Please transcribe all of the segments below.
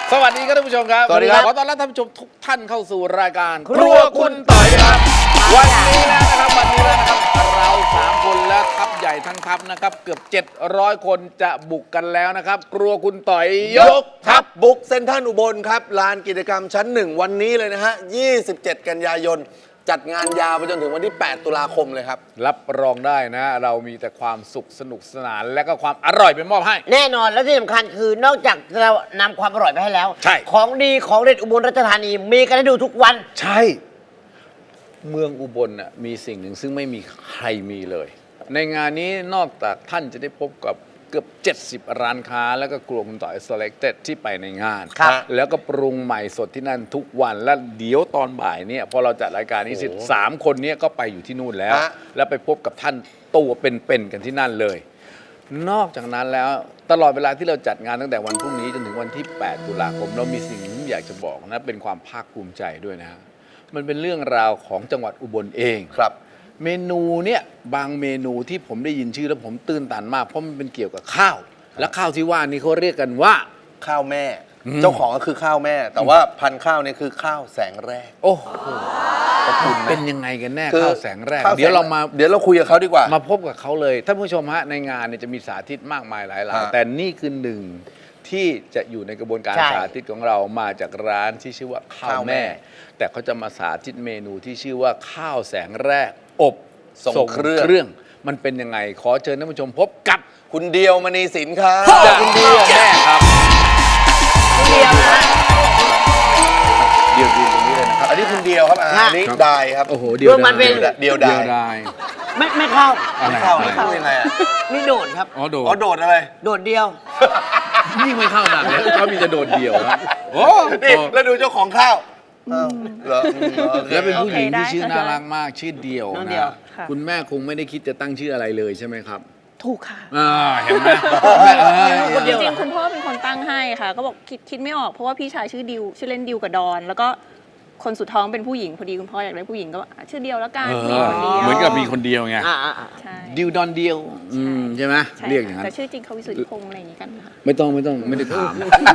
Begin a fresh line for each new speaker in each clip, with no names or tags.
สวัสดีครับท่านผู้ชมครับ
สวัสดีครับ
ขอต้อนรับท่านผู้ชมทุกท่านเข้าสู่รายการครัวคุณต่อยครับวันนี้แล้วนะครับเรา3คนและทัพใหญ่ทั้งทัพนะครับเกือบ700คนจะบุกกันแล้วนะครับครัวคุณต่อยยกทัพ
บุกเซ็นทรัลอุบลครับลานกิจกรรมชั้น 1 วันนี้เลยนะฮะ 27 กันยายน จัดงานยาวไปจนถึงวันที่ 8 ตุลาคมเลยครับ
รับรองได้นะ เรามีแต่ความสุขสนุกสนานและก็ความอร่อยไปมอบให้
แน่นอนและที่สำคัญคือนอกจากเรานำความอร่อยไปให้แล้ว
ใช่
ของดีของเด็ดอุบลราชธานีมีกันให้ดูทุกวัน
ใช่เมืองอุบลน่ะมีสิ่งหนึ่งซึ่งไม่มีใครมีเลย ในงานนี้นอกจากท่านจะได้พบกับเกือบ70 ร้านค้า แล้วก็ครัวคุณต่อย Selected ที่ไปในงาน
ครับ
แล้วก็ปรุงใหม่สดที่นั่นทุกวันและเดี๋ยวตอนบ่ายเนี่ยพอเราจัดรายการนี้เสร็จ3 คนเนี้ก็ไปอยู่ที่นู่นแล้ว
ฮะ
แล้วไปพบกับท่านตัวเป็นๆกันที่นั่นเลย นอกจากนั้นแล้วตลอดเวลาที่เราจัดงานตั้งแต่วันพรุ่งนี้จนถึงวันที่ 8 ตุลาคมเรามีสิ่งที่อยากจะบอกนะเป็นความภาคภูมิใจด้วยนะฮะมันเป็นเรื่องราวของจังหวัดอุบลเอง
ครับ
เมนูเนี่ยบางเมนูที่ผมได้ยินชื่อแล้วผมตื่นตันมากเพราะมันเป็นเกี่ยวกับข้าว และข้าวที่ว่านี่เขาเรียกกันว่า
ข้าวแม่ เจ้าของก็คือข้าวแม่ แต่ว่าพันธุ์ข้าวเนี่ยคือข้าวแสงแรก
โอ้โห
ขอบคุณไหม
เป็นยังไงกันแน่
คือ
ข้าวแสงแรก
ข้
เดี๋ยวเรามา
เดี๋ยวเราคุยกับเขาดีกว่า
มาพบกับเขาเลยท่านผู้ชมฮะในงานเนี่ยจะมีสาธิตมากมายหลาย
ฮะ
ๆแต่นี่คือหนึ่งที่จะอยู่ในกระบวนการ
ใช่
สาธิตของเรามาจากร้านที่ชื่อว่าข้าว
ข้าวแม่
แม่ แต่เขาจะมาสาธิตเมนูที่ชื่อว่าข้าวแสงแรกอบ
ทรงเครื่อง
มันเป็นยังไงขอเชิญท่านผู้ชมพบกับ
คุณเดียวมณีสินครับ
จากคุณเดียวแม่ครับ
เดียวนะ
เดียวยืนตรงนี้เลยนะครับ
อันนี้คุณเดียวครับอันนี้
ครับ
ดายครับ
โอ้โหเดียว
รวมมันเป็น
เดียวดาย
ได้
ไม่เข้า
อะไร
เข้า
อะไร
เข้ายังไงอ่ะ
นี่โดดครับ
อ๋อโด
อ๋อ
ด
โดดอะไร
โดดเดียว
ยิ่งไม่เข้าหนักเลยเขามีจะโดดเดียวนะโอ้
นี่แล้วดูเจ้าของข้าวอ้าวเหรอโอค
แล้วเป็นผู้หญิงที่
โอเคได้
ชื่อ
ค่ะ
น่ารักมากชื่อเดียว
น้อง
นะ
เดี่ยว
ค่ะ
คุณแม่คงไม่ได้คิดจะตั้งชื่ออะไรเลยใช่ไหมครับ
ถูกค่ะ
เห็นไหมแม่
คนเดียว
จริงๆคุณพ่อเป็นคนตั้งให้ค่ะ ก็บอกคิดไม่ออกเพราะว่าพี่ชายชื่อดิวชื่อเล่นดิวกับดอน แล้วก็คนสุดท้องเป็นผู้หญิงพอดีคุณพ่ออยากได้ผู้หญิงก็ชื่อเดียวแล้วกันผู้หญิงคนเดียว
เหมือนกับมีคนเดียวไง
อ่า
ใช่
ดิวดอนเดียวใช่ไหม
ใช่
เรียกอย่างนั้น
แต่ชื่อจริงเขาวิสุทธิพงษ์อะไรอย่างงี้กันค่ะ
ไม่ต้องไม่ได้ถาม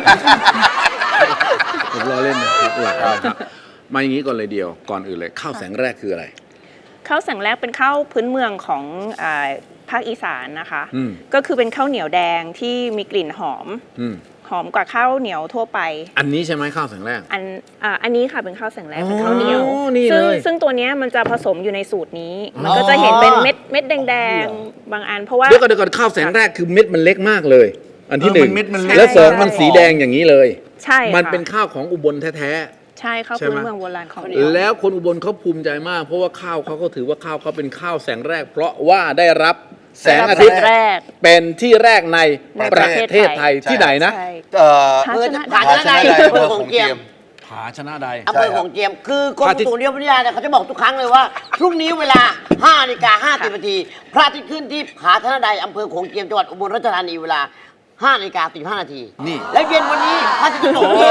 ผมรอเล่นนะครับหลักนะครับมาอย่างนี้ก่อนเลยเดียวก่อนอื่นเลยข้าวแสงแรกคืออะไร
ข้าวแสงแรกเป็นข้าวพื้นเมืองของภาคอีสานนะคะ
อืม
ก็คือเป็นข้าวเหนียวแดงที่มีกลิ่นหอม
อืม
หอมกว่าข้าวเหนียวทั่วไป
อันนี้ใช่ไหมข้าวแสงแรก
อันนี้ค่ะเป็นข้าวแสงแรกเป็นข้าวเหนียว
อ๋อนี่
ซึ่ง
เลย
ซึ่งตัวเนี้ยมันจะผสมอยู่ในสูตรนี้ มันก็จะเห็นเป็นเม็ดแดงๆบางอันเพราะว่า
เดี๋ยวก่อนข้าวแสงแรกคือเม็ดมันเล็กมากเลย อันที่หนึ่ง
เม็ดมันเล็ก
แล้วสองมันสีแดงอย่างนี้เลย
ใช่ค่ะ
มันเป็นข้าวของอุบลแท้
ใช่ข้าว
ใช่ไหม
พื้นเมืองโบราณของ
ๆแล้วคนอุบลเขาภูมิใจมาก เพราะว่าข้าวเขาก็ถือว่าข้าวเขาเป็นข้าวแสงแรก เพราะว่าได้รับแสงอาทิตย์
แรก
เป็นที่แรกใน
ใน
ป
ประ ระ
เท
เท
ศ
ศ
ไท
ไท
ย
ย
ที่ไหนนะ
ใช่
เพื่อ
ผา
ผา
ช
ช
นะ
นะ
ใด
ใดอำเภอของเจียม
ผาชนะใด
อำเภอของเจียม คือกรมอุตุนิยมวิทยาเนี่ยเขาจะบอกทุกครั้งเลยว่าพรุ่งนี้เวลา 5:50 นาทีพระอาทิตย์ขึ้นที่ผาชนะใดอำเภอของเจียมจังหวัดอุบลราชธานีเวลา 5:45 นาที
นี่
แล้วเย็นวันนี้พระอาทิตย์ตกที่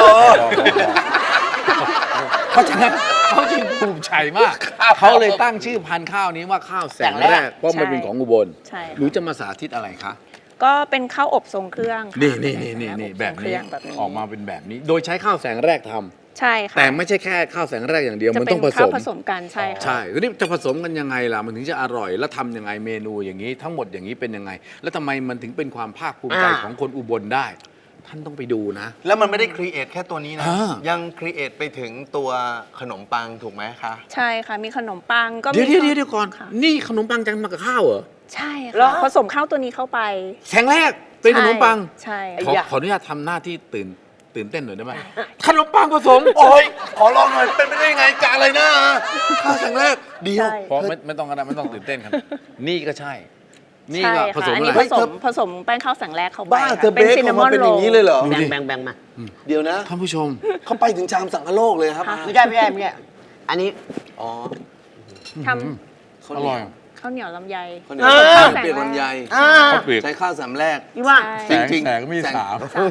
เพราะฉะนั้นเขาจึงภูมิใจมาก เขาเลยตั้งชื่อพันธุ์ข้าวนี้ว่าข้าวแสงแรก เพราะมันเป็นของอุบล
ใช่
หนูจะมาสาธิตอะไรคะ
ก็เป็นข้าวอบทรงเครื่องค่ะ
นี่แบบ
อบทรงเค
นี้
รื่องแบบนี้
ออกมาเป็นแบบนี้ โดยใช้ข้าวแสงแรกทำ
ใช่ค่ะ
แต่ไม่ใช่แค่ข้าวแสงแรกอย่างเดียว
จะ
มัน
เป็
ต้อน งผส
ข้าว
ม
ผสมกันใช่ค่ะ
ใช่ทีนี้จะผสมกันยังไงล่ะมันถึงจะอร่อยแล้วทำยังไงเมนูอย่างนี้ ทั้งหมดอย่างนี้เป็นยังไง แล้วทำไมมันถึงเป็นความภาคภูมิใจของคนอุบลได้ ท่านต้องไปดูนะ
แล้วมันไม่ได้ครีเอทแค่ตัวนี้นะ
อ่า
ยังครีเอทไปถึงตัวขนมปังถูกไหมคะ
ใช่ค่ะมีขนมปังก็มี
เดี๋ยวก่อน
ค่ะ
นี่ขนมปังจังมากับข้าวเหรอ
ใช่
เหรอ
ค่ะผสมข้าวตัวนี้เข้าไป
แสงแรกเป็นขนมปัง
ใช่
ขออนุญาตทำหน้าที่ตื่นเต้นหน่อยได้ไหมขนมปังผสม
โอ้ยขอลองหน่อยเป็นไปได้ยังไงกะอะไรนะข้าวแสงแรกเดียว
ใช่
เพราะไม่ต้องกันนะไม่ต้องตื่นเต้นครับ นี่ก็ใช่ นี่
ใช่
ก็
ค่ะ
ผสม
อัน
อะ
นี้
ไร
ผสมแป้งข้าวแสงแรกเข้าไป
บ้า
ค่ะ
เธอเบค
ซิน
อ
นา
อก
มอ
มาน เป็น
โร
อย่างนี้เลยเหรอ
แบ่งมา
เดี๋ยวนะ
ท่านผู้ชม
เขาไปถึงชามสังกะโลกเลยครับ
ไม่ใช่อันนี้
อ๋อ
ท
อร่อย
ำข้าวเหนียวลำไย
คนนี้
ข้า
ข้าว ว
แสงแรก
เปียกลำไย
อ่า
ข้าวเปียก
ใช้ข้าวสามแรก
พี่ว่า
ใช่
จริงๆ
แสงมี
แสง
สาม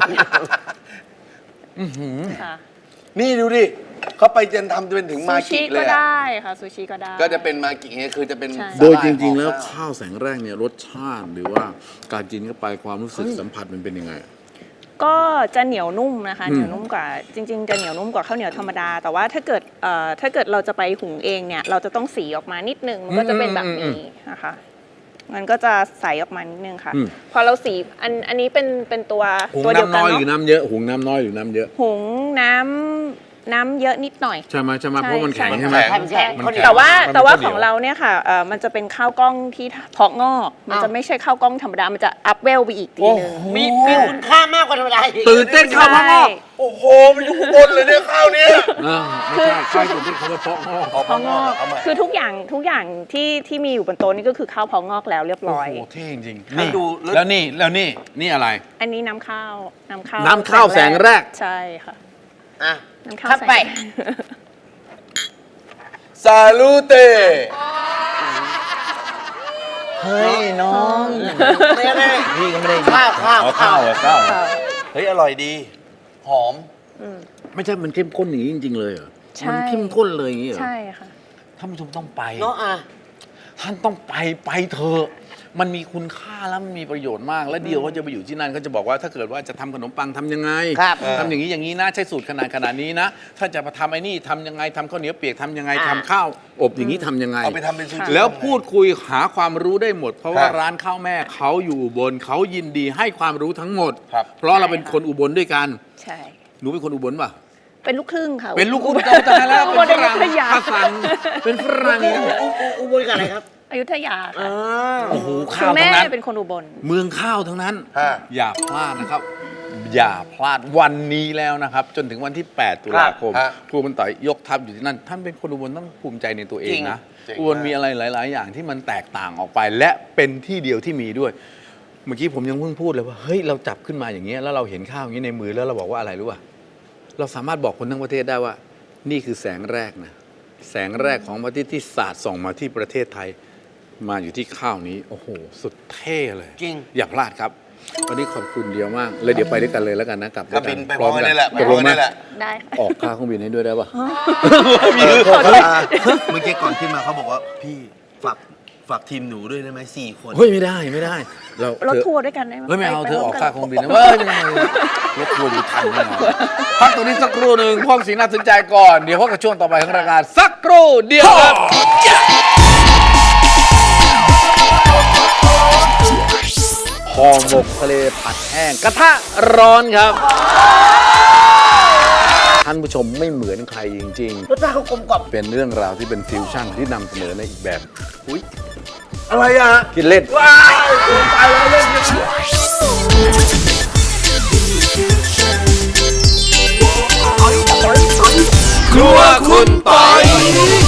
ค่ะ
นี่ดูดิเขาไปจนทำเป็นถึง
ซู
มา
ชิ
กิเล
ก็
ยอะ
ได้ค่ะซูชิก็ได้
ก็จะเป็นมากิเนี่ยคือจะเป็น
ใช่
โดยจริง ๆ แล้ว
สาหร่าย
ข้าวแสงแรกเนี่ยรสชาติหรือว่าการกินเข้าไปความรู้สึกสัมผัสมันเป็นยังไง
ก็จะเหนียวนุ่มนะคะเหนียวนุ่มกว่าจริงๆจะเหนียวนุ่มกว่าข้าวเหนียวธรรมดา แต่ว่าถ้าเกิดเราจะไปหุงเองเนี่ยเราจะต้องสีออกมานิดนึงมันก็จะเป็นแบบนี้นะคะมันก็จะใสออกมานิดนึงค่ะพอเราสีอันนี้เป็นตัว
หุง
ตัวเดียว
น้ำ
กัน
น้อยหรือ
เนาะ
น้ำเยอะหุงน้ำน้อยหรือน้ำเยอะ
หุงน้ำเยอะนิดหน่อย
ใช่ไหมเพราะมันแข็ง
ใช่
ใช่ไหม
แข็งแข็ง
มันแข็ง
แต่ว่า
มัน
แต่ว่า
ข้าวเหนี
ข
ยว
องเราเนี่ยค่ะมันจะเป็นข้าวกล้องที่เพาะงอกมันจะไม่ใช่ข้าวกล้องธรรมดามันจะอัพเวลไปอีกทีนึง
มีคุณค่ามากกว่าธรรมดาอีก
ตื่นเต้นข้าวเพาะงอก
โอ้โห มันอยู่ข้างบนเลยเนี่ยข้าวเนี้ย
ไม่ใช่ข้าวอยู่ที่เขาเพาะงอก
เพาะงอกคือทุกอย่างที่มีอยู่บนโต๊ะนี่ก็คือข้าวเพาะงอกแล้วเรียบร้อย
โอ้โหเท่จริงๆนี่แล้วนี่อะไร
อันนี้น้ำข้าว
น้ำข้าวแสงแรก
ใช่ค่ะ
อ่ะ
น้ำข้าว
ครับ
แสง
ไป
ซาลูเต
เฮ้ยน้อง
ไม่ได้
พี่ก็ไม่ได้
ข้าว
อ๋อข้าวเหรอข้าว
ค่ะ
เฮ้ยอร่อยดี หอม
ไม่ใช่มันเข้มข้นอย่างนี้จริง ๆ เลยเหรอ
ใช่
มันเข้มข้นเลยอย่างนี้เหรอ
ใช่ค่ะ
ท่านผู้ชมต้องไป
เนาะอ่ะ
ท่านต้องไปเถอะมันมีคุณค่าแล้วมันมีประโยชน์มาก และเดียวเขาจะไปอยู่ที่นั่นเขาจะบอกว่าถ้าเกิดว่าจะทำขนมปังทำยังไง
ครับ
ทำอย่างนี้นะใช้สูตรขนาดนี้นะ ถ้าจะมาทำไอ้นี่ทำยังไงทำข้าวเหนียวเปียกทำยังไง
อ่า
ทำข้าวอบอย่างนี้ทำยังไง
เอาไปทำเป็นซูชิ
แล้วพูดคุยหาความรู้ได้หมด เพราะว่า
ครับ
ร้านข้าวแม่เขาอยู่อุบลเขายินดีให้ความรู้ทั้งหมด
ครับ
เพราะเราเป็นคนอุบลด้วยกัน
ใช่
หนูเป็นคนอุบลป่ะ
เป็นลูกครึ่งค่ะ
เป็นลูกคุณเจ้าตายแล้วเป็นฝรั่ง
อยุธยา
ภาษาเป็นฝรั่ง
อุบลกับอะไรครับ
อยุธยาค่ะ
โอ้โห
คุ
ข้า
ณ
ว
แม่
ทั้งนั้น
เป็นคนอุบล
เมืองข้าวทั้งนั้น
ฮะ
อย่าพลาดนะครับ อย่าพลาดวันนี้แล้วนะครับ จนถึงวันที่ 8 ตุลาคม
ฮะ
ครูบรรต่อยยกทัพอยู่ที่นั่น ท่านเป็นคนอุบลต้องภูมิใจในตัวเองนะ
จริง
อุบลมีอะไรหลาย ๆ อย่างที่มันแตกต่างออกไป และเป็นที่เดียวที่มีด้วย เมื่อกี้ผมยังเพิ่งพูดเลยว่าเฮ้ยเราจับขึ้นมาอย่างเงี้ยแล้วเราเห็นข้าวอย่างนี้ในมือแล้วเราบอกว่าอะไรรู้ป่ะเราสามารถบอกคนทั้งประเทศได้ว่า นี่คือแสงแรกนะแสงแรกของพระอาทิตย์ที่สาดส่องมาที่ประเทศไทย มาอยู่ที่ข้าวนี้โอ้โหสุดเท่เลย
จริง
อย่าพลาดครับ วันนี้ขอบคุณเดียวมากเลยเดี๋ยวไปด้วยกันเลยแล้วกันนะกลับ
ก็บินไปพร้อมกันนี่แหละไป
ตก
พร้
ล
อม
ง
กัน
ไหม
นี่แหละ
ได้ค่ะ
ออกค่าเครื่องบินให้ด้วยได้ปะ
เมื่อกี้ก่อนขึ้นมาเขาบอกว่าพี่ฝากทีมหนูด้วยได้ไหม4 คน
เฮ้ยไม่ได้เรา
รถ
เธอ
ทัวร์ด้วยกันได้ไหม
เฮ้ยไม่เอา
ป
เธอออก
ร่วมน
ค่าเครื่องบินนะเว้ยไม่ได้รถทัวร์อยู่ทันแน่นอนพักตัวนี้สักครู่หนึ่งพวกสิ่งน่าสนใจก่อนเดี๋ยวพบกับช่วงต่อไปของรายการสักครู่เดียวครับห่อหมกทะเลผัดแห้งกระทะร้อนครับ ท่านผู้ชมไม่เหมือนใครจริง
รสชาติเขากลมกล่อม
ๆ เป็นเรื่องราวที่เป็นฟิวชั่นที่นำเสนอในอีกแบบ อุ้ย
อะไรอ่ะ
กินเล่น
ว้ายตายแล้วเล่นกัน
ครัวคุณปอย